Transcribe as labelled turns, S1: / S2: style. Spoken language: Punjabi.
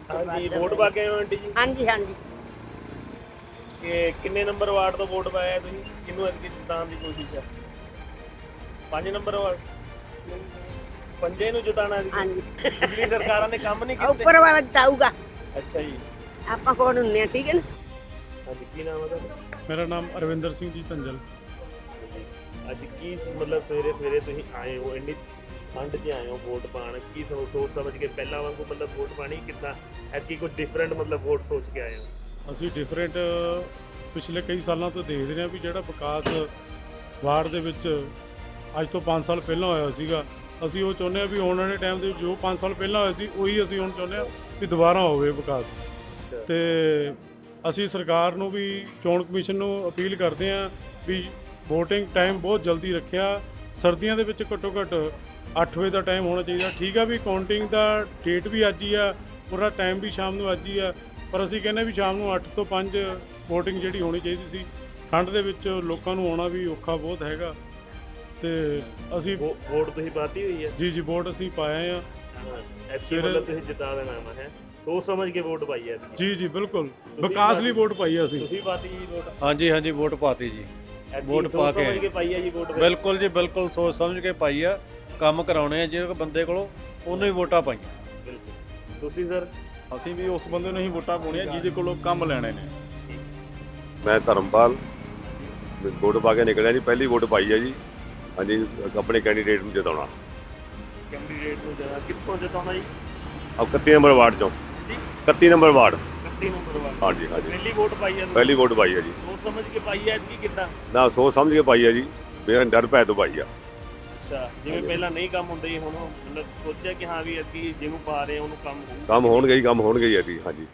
S1: ਹਾਂਜੀ ਵੋਟ ਪਾ ਕੇ ਆਏ ਹੋ ਆਂਟੀ ਜੀ
S2: ਹਾਂਜੀ ਹਾਂਜੀ
S1: ਕਿ ਕਿੰਨੇ ਨੰਬਰ ਵਾਰਡ ਤੋਂ ਵੋਟ ਪਾਇਆ ਤੁਸੀਂ ਕਿਹਨੂੰ ਅੱਗੇ ਜਿਤਾਉਣ ਦੀ ਕੋਸ਼ਿਸ਼ ਹੈ 5 ਨੰਬਰ ਵਾਰਡ ਪੰਜੇ ਨੂੰ ਜਿਤਾਉਣਾ ਸੀ
S2: ਹਾਂਜੀ
S1: ਪਿਛਲੀ ਸਰਕਾਰਾਂ ਨੇ ਕੰਮ ਨਹੀਂ ਕੀਤੇ
S2: ਉੱਪਰ ਵਾਲਾ ਜਿਤਾਊਗਾ
S1: ਅੱਛਾ ਜੀ
S2: ਆਪਾਂ ਕੋਣ ਹੁੰਨੇ ਆ ਠੀਕ ਹੈ ਨਾ
S1: ਹਾਂਜੀ ਕੀ ਨਾਮ ਹੈ ਤੁਹਾਡਾ
S3: ਮੇਰਾ ਨਾਮ ਅਰਵਿੰਦਰ ਸਿੰਘ ਜੀ ਧੰਜਲ।
S1: ਅੱਜ ਕੀ ਮਤਲਬ ਸਵੇਰੇ ਸਵੇਰੇ ਤੁਸੀਂ ਆਏ ਹੋ ਇੰਨੀ ਠੰਡ 'ਚ ਆਏ ਹੋ ਵੋਟ ਪਾਉਣ ਕੀ ਸੋਚ ਸਮਝ ਕੇ ਪਹਿਲਾਂ ਵਾਂਗੂ ਮਤਲਬ ਵੋਟ ਪਾਣੀ ਕਿੱਦਾਂ ਐਤਕੀ ਕੁਝ ਡਿਫਰੈਂਟ ਮਤਲਬ ਵੋਟ ਸੋਚ ਕੇ ਆਏ ਹੋ
S3: ਅਸੀਂ ਡਿਫਰੈਂਟ ਪਿਛਲੇ ਕਈ ਸਾਲਾਂ ਤੋਂ ਦੇਖਦੇ ਰਹੇ ਹਾਂ ਵੀ ਜਿਹੜਾ ਵਿਕਾਸ ਵਾਰਡ ਦੇ ਵਿੱਚ ਅੱਜ ਤੋਂ 5 ਸਾਲ ਪਹਿਲਾਂ ਹੋਇਆ ਸੀਗਾ ਅਸੀਂ ਉਹ ਚਾਹੁੰਦੇ ਹਾਂ ਵੀ ਆਉਣ ਵਾਲੇ ਟਾਈਮ ਦੇ ਵਿੱਚ ਜੋ 5 ਸਾਲ ਪਹਿਲਾਂ ਹੋਇਆ ਸੀ ਉਹੀ ਅਸੀਂ ਹੁਣ ਚਾਹੁੰਦੇ ਹਾਂ ਵੀ ਦੁਬਾਰਾ ਹੋਵੇ ਵਿਕਾਸ। ਤੇ ਅਸੀਂ ਸਰਕਾਰ ਨੂੰ ਵੀ ਚੋਣ ਕਮਿਸ਼ਨ ਨੂੰ ਅਪੀਲ ਕਰਦੇ ਹਾਂ ਵੀ VOTING ਟਾਈਮ ਬਹੁਤ ਜਲਦੀ ਰੱਖਿਆ ਸਰਦੀਆਂ ਦੇ ਵਿੱਚ ਘੱਟੋ ਘੱਟ 8 ਵਜੇ ਦਾ ਟਾਈਮ ਹੋਣਾ ਚਾਹੀਦਾ। ਠੀਕ ਆ ਵੀ ਕਾਊਂਟਿੰਗ ਦਾ ਡੇਟ ਵੀ ਅੱਜ ਹੀ ਆ ਪੂਰਾ ਟਾਈਮ ਵੀ ਸ਼ਾਮ ਨੂੰ ਅੱਜ ਹੀ ਆ ਪਰ ਅਸੀਂ ਕਹਿੰਦੇ ਵੀ ਸ਼ਾਮ ਨੂੰ 8 ਤੋਂ 5 VOTING ਜਿਹੜੀ ਹੋਣੀ ਚਾਹੀਦੀ ਸੀ। ਠੰਡ ਦੇ ਵਿੱਚ ਲੋਕਾਂ ਨੂੰ ਆਉਣਾ ਵੀ ਔਖਾ ਬਹੁਤ ਹੈਗਾ ਤੇ ਅਸੀਂ
S1: ਵੋਟ ਤੁਸੀਂ ਪਾਤੀ ਹੋਈ ਹੈ
S3: ਜੀ ਵੋਟ ਅਸੀਂ ਪਾਏ ਆ
S1: ਐਤਕੀ ਮਤਲਬ ਤੁਸੀਂ ਜਿਤਾ ਦੇਣਾ ਹੈ ਸੋਚ ਸਮਝ ਕੇ ਵੋਟ ਪਾਈ ਹੈ
S3: ਜੀ ਬਿਲਕੁਲ ਵਿਕਾਸ ਲਈ ਵੋਟ ਪਾਈ ਆ ਅਸੀਂ।
S1: ਤੁਸੀਂ ਪਾਤੀ ਜੀ ਵੋਟ
S4: ਹਾਂਜੀ ਵੋਟ ਪਾਤੀ ਜੀ ਵੋਟ ਪਾ
S1: ਸਮਝ ਕੇ ਪਾਈ ਹੈ ਜੀ ਵੋਟ
S4: ਬਿਲਕੁਲ ਜੀ ਬਿਲਕੁਲ ਸੋਚ ਸਮਝ ਕੇ ਪਾਈ ਆ ਕੰਮ ਕਰਾਉਣੇ ਆ ਜਿਹੜੇ ਬੰਦੇ ਕੋਲੋਂ ਉਹਨੂੰ ਹੀ ਵੋਟਾਂ ਪਾਈਆਂ।
S1: ਬਿਲਕੁਲ ਤੁਸੀਂ ਸਰ
S5: ਅਸੀਂ ਵੀ ਉਸ ਬੰਦੇ ਨੂੰ ਹੀ ਵੋਟਾਂ ਪਾਉਣੀਆਂ ਜਿਹਦੇ ਕੋਲੋਂ ਕੰਮ ਲੈਣੇ ਨੇ।
S6: ਮੈਂ ਧਰਮਪਾਲ ਵੋਟ ਪਾ ਕੇ ਨਿਕਲਿਆ ਜੀ ਪਹਿਲੀ ਵੋਟ ਪਾਈ ਹੈ ਜੀ ਹਾਂਜੀ ਆਪਣੇ ਕੈਂਡੀਡੇਟ ਨੂੰ ਜਿਤਾਉਣਾ
S1: ਕੈਂਡੀਡੇਟ ਨੂੰ ਜਿਆਦਾ ਕਿੱਥੋਂ ਜਿਤਾਉਣਾ ਜੀ
S6: 31 ਨੰਬਰ ਵਾਰਡ ਚੋਂ 31 ਨੰਬਰ ਵਾਰਡ
S1: 31 ਨੰਬਰ ਵਾਲਾ
S6: ਹਾਂਜੀ ਹਾਂਜੀ
S1: ਪਹਿਲੀ ਵੋਟ ਪਾਈ ਹੈ
S6: ਪਹਿਲੀ ਵੋਟ ਪਾਈ ਹੈ ਜੀ
S1: ਸੋਚ ਸਮਝ ਕੇ ਪਾਈ ਹੈ ਐਤਕੀ ਕਿੱਦਾਂ
S6: ਨਾ ਸੋਚ ਸਮਝ ਕੇ ਪਾਈ ਹੈ ਜੀ ਬਿਨਾਂ ਡਰ ਭੈ ਤੋਂ ਪਾਈ ਆ
S1: ਅੱਛਾ ਜਿਵੇਂ ਪਹਿਲਾਂ ਨਹੀਂ ਕੰਮ ਹੁੰਦੇ ਸੀ ਹੁਣ ਮਤਲਬ ਸੋਚਿਆ ਕਿ ਹਾਂ ਵੀ ਐਤਕੀ ਜਿਹਨੂੰ ਪਾ ਰਹੇ ਉਹਨੂੰ ਕੰਮ ਹੋਊ
S6: ਕੰਮ ਹੋਣਗੇ ਹੀ ਆ ਜੀ ਹਾਂਜੀ